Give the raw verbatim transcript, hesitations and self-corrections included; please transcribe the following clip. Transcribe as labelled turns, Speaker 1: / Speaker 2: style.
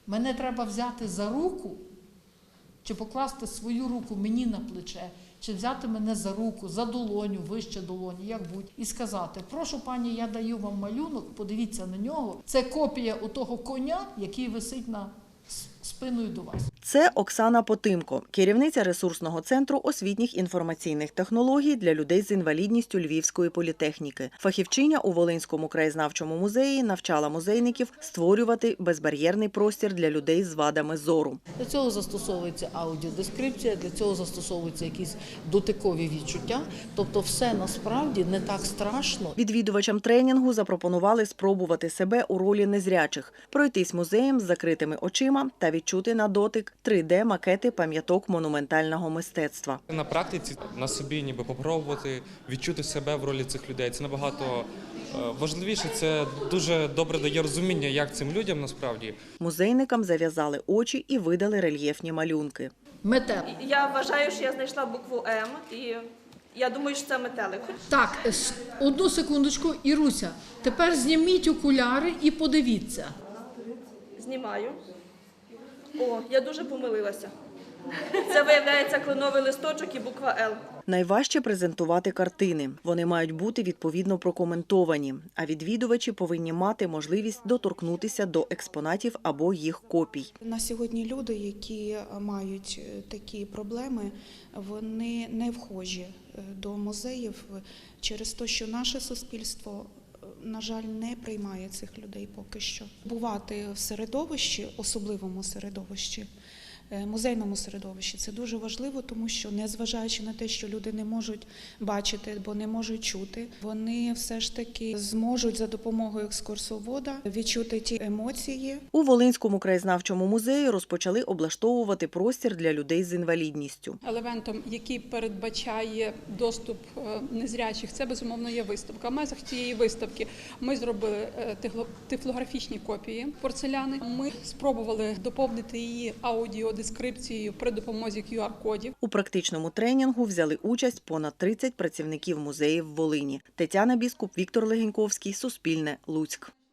Speaker 1: Мене треба взяти за руку, чи покласти свою руку мені на плече, чи взяти мене за руку, за долоню, вище долоні, як будь, і сказати: прошу, пані, я даю вам малюнок, подивіться на нього. Це копія у того коня, який висить на спиною до вас.
Speaker 2: Це Оксана Потимко, керівниця ресурсного центру освітніх інформаційних технологій для людей з інвалідністю Львівської політехніки. Фахівчиня у Волинському краєзнавчому музеї навчала музейників створювати безбар'єрний простір для людей з вадами зору.
Speaker 1: Для цього застосовується аудіодескрипція, для цього застосовуються якісь дотикові відчуття. Тобто все насправді не так страшно.
Speaker 2: Відвідувачам тренінгу запропонували спробувати себе у ролі незрячих, пройтись музеєм з закритими очима та відчути на дотик три де макети пам'яток монументального мистецтва.
Speaker 3: На практиці на собі ніби попробувати відчути себе в ролі цих людей. Це набагато важливіше, це дуже добре дає розуміння, як цим людям насправді.
Speaker 2: Музейникам зав'язали очі і видали рельєфні малюнки.
Speaker 1: Метелик.
Speaker 4: Я вважаю, що я знайшла букву М, і я думаю, що це метелик.
Speaker 1: Так, одну секундочку, Іруся, тепер зніміть окуляри і подивіться.
Speaker 4: Знімаю. О, я дуже помилилася. Це, виявляється, кленовий листочок і буква Л.
Speaker 2: Найважче презентувати картини. Вони мають бути відповідно прокоментовані, а відвідувачі повинні мати можливість доторкнутися до експонатів або їх копій.
Speaker 5: На сьогодні люди, які мають такі проблеми, вони не вхожі до музеїв через те, що наше суспільство, на жаль, не приймає цих людей поки що. Бувати в середовищі, особливому середовищі, музейному середовищі, це дуже важливо, тому що, незважаючи на те, що люди не можуть бачити, бо не можуть чути, вони все ж таки зможуть за допомогою екскурсовода відчути ті емоції.
Speaker 2: У Волинському краєзнавчому музеї розпочали облаштовувати простір для людей з інвалідністю.
Speaker 6: Елементом, який передбачає доступ незрячих, це, безумовно, є виставка. В межах цієї виставки ми зробили тифлографічні копії порцеляни. Ми спробували доповнити її аудіо дескрипцією при допомозі кю ар-кодів.
Speaker 2: У практичному тренінгу взяли участь понад тридцять працівників музеїв Волині. Тетяна Біскуп, Віктор Легеньковський, Суспільне, Луцьк.